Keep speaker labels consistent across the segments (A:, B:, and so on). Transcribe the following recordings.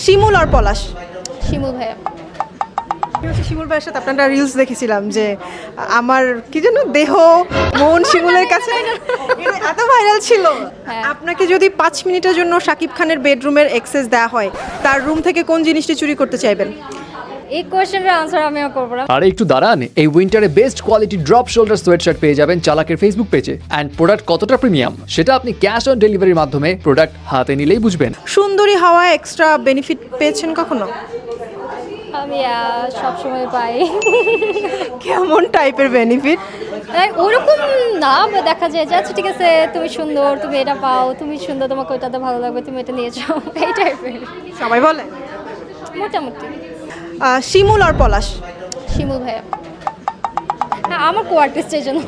A: শিমুল আর পলাশ।
B: শিমুল ভাইয়া।
A: শিমুল ভাইয়ের সাথে আপনারা রিলস দেখেছিলাম যে আমার কি যেন দেহ মন শিমুলের কাছে এত ভাইরাল ছিল।
B: হ্যাঁ।
A: আপনাকে যদি 5 মিনিটের জন্য শাকিব খানের বেডরুমের অ্যাক্সেস দেওয়া হয়, তার রুম থেকে কোন জিনিসটি চুরি করতে চাইবেন?
B: এই কোয়েশ্চেনের আনসার আমিও করবো না।
C: আরে একটু দাঁড়ান, এই উইন্টারে best quality drop shoulder sweatshirt পেয়ে যাবেন চালাকের ফেসবুক পেজে। অ্যান্ড প্রোডাক্ট কতটা প্রিমিয়াম সেটা আপনি ক্যাশ অন ডেলিভারির মাধ্যমে প্রোডাক্ট হাতে নিলেই বুঝবেন।
A: সুন্দরী হওয়া এক্সট্রা বেনিফিট পেয়েছেন কখনো?
B: আমি সবসময় পাই।
A: কেমন টাইপের বেনিফিট?
B: ওরকম না, দেখা যায় যে আচ্ছা ঠিক আছে তুমি সুন্দর, তুমি এটা পাও, তুমি সুন্দর, তোমাকে ওইটাতে ভালো লাগবে, তুমি এটা নিয়ে যাও, এই টাইপের।
A: সবাই বলে।
B: মোটামুটি।
A: শিমুল আর পলাশ।
B: শিমুল ভাইয়া। হ্যাঁ, আমার কো আর্টিস্টের জন্য।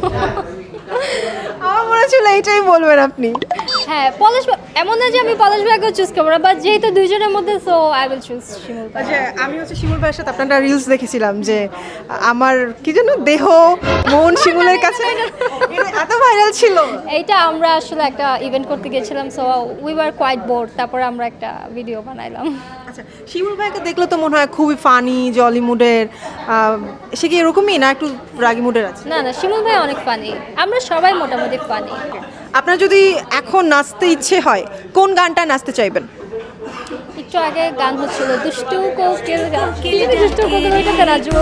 A: আমার মনে হচ্ছিল এইটাই বলবেন আপনি।
B: হ্যাঁ, পলাশ এমন না যে আমি পলাশ ভাইকেও চুজ করবো না, বাট যেহেতু দুইজনের মধ্যে so I will choose Shimul ভাই।
A: আচ্ছা, আমি শিমুল ভাইয়ের সাথে আপনারা রিলস দেখেছিলাম যে আমার কি যেন দেহ মন শিমুলের কাছে এত ভাইরাল ছিল।
B: এইটা আমরা আসলে একটা ইভেন্ট করতে গেছিলাম, so we were quite bored, তারপরে আমরা একটা ভিডিও বানাইলাম।
A: আচ্ছা, শিমুল ভাইকে দেখলে তো মনে হয় খুবই ফানি জলি মুডের। সে কি এরকমই না একটু রাগি মুডের আছে?
B: না না, শিমুল ভাই অনেক ফানি, আমরা সবাই মোটামুটি ফানি।
A: আপনার যদি এখন নাচতে ইচ্ছে হয়, কোন গানটা নাচতে চাইবেন?
B: একটু আগে গান হচ্ছিল দুষ্টু কোকিল গান, দুষ্টু কোকিল, ওইটাতে নাচবো।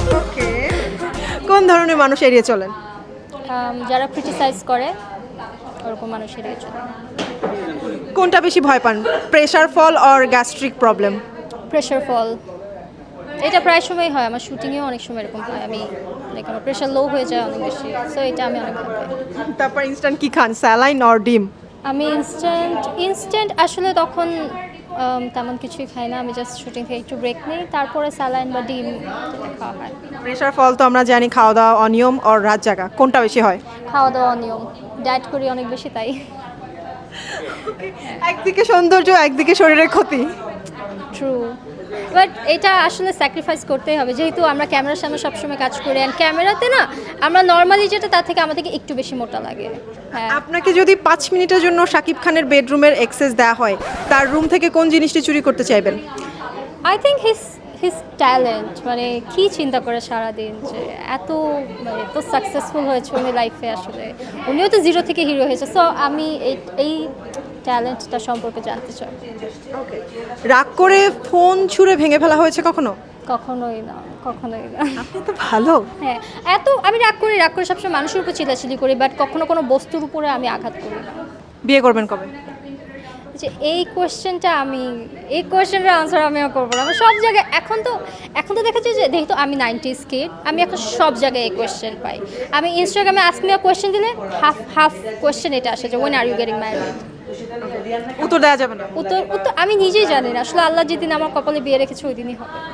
A: কোন ধরনের মানুষ এড়িয়ে চলেন?
B: যারা ক্রিটিসাইজ করে ওরকম মানুষের জন্য।
A: কোনটা বেশি ভয় পান, pressure fall or gastric problem?
B: Pressure fall, এটা প্রায় সময় হয়, আমার শুটিংয়েও অনেক সময় এরকম হয়, আমি লাইক আমার প্রেশার লো হয়ে যায় অনেক বেশি, সো এটা আমি অনেক ভয় পাই।
A: তারপর ইনস্ট্যান্ট কি খান, স্যালাইন অর ডিম?
B: আমি ইনস্ট্যান্ট আসলে তখন তেমন কিছুই খাই না, আমি জাস্ট শুটিং থেকে একটু ব্রেক নিই, তারপরে স্যালাইন বা ডিম খাওয়া হয়।
A: প্রেশার ফল তো আমরা জানি, খাওয়া দাওয়া অনিয়ম অর রাত জাগা, কোনটা বেশি হয়?
B: খাওয়া দাওয়া নিয়ম, ডায়েট করি অনেক বেশি তাই।
A: একদিকে সৌন্দর্য, একদিকে শরীরের ক্ষতি।
B: ট্রু, বাট এটা আসলে স্যাক্রিফাইস করতেই হবে, যেহেতু আমরা ক্যামেরার সামনে সবসময় কাজ করি, অ্যান্ড ক্যামেরাতে না আমরা নর্মালি যেটা তার থেকে আমাদেরকে একটু বেশি মোটা লাগে। হ্যাঁ,
A: আপনাকে যদি 5 মিনিটের জন্য শাকিব খানের বেডরুমের অ্যাক্সেস দেওয়া হয়, তার রুম থেকে কোন জিনিসটি চুরি করতে চাইবেন?
B: আই থিঙ্ক হিজ ট্যালেন্ট, মানে কী চিন্তা করে সারাদিন যে এত মানে এত সাকসেসফুল হয়েছে উনি লাইফে, আসলে উনিও তো জিরো থেকে হিরো হয়েছে, সো আমি এই ট্যালেন্টটা সম্পর্কে জানতে চাই।
A: রাগ করে ফোন ছুঁড়ে ভেঙে ফেলা হয়েছে কখনো?
B: কখনোই না, কখনোই না।
A: আপনি তো ভালো।
B: হ্যাঁ, আমি রাগ করে সবসময় মানুষের উপর চিল্লাচিল্লি করি, বাট কখনো কোনো বস্তুর উপরে আমি আঘাত করি না।
A: বিয়ে করবেন কবে?
B: যে এই কোয়েশ্চেনের আনসার আমিও করবো না। আমার সব জায়গায় এখন তো দেখা যায় যে যেহেতু আমি 90s কিড, আমি এখন সব জায়গায় এই কোয়েশ্চেন পাই। আমি ইনস্টাগ্রামে আস্ক মি আ কোয়েশ্চেন দিলে হাফ কোয়েশ্চেন এটা আসে যে when are you getting married.
A: উত্তর দেওয়া যাবে না।
B: উত্তর আমি নিজেই জানি না, আসলে আল্লাহ যেদিন আমার কপালে বিয়ে রেখেছে ওই দিনই হবে।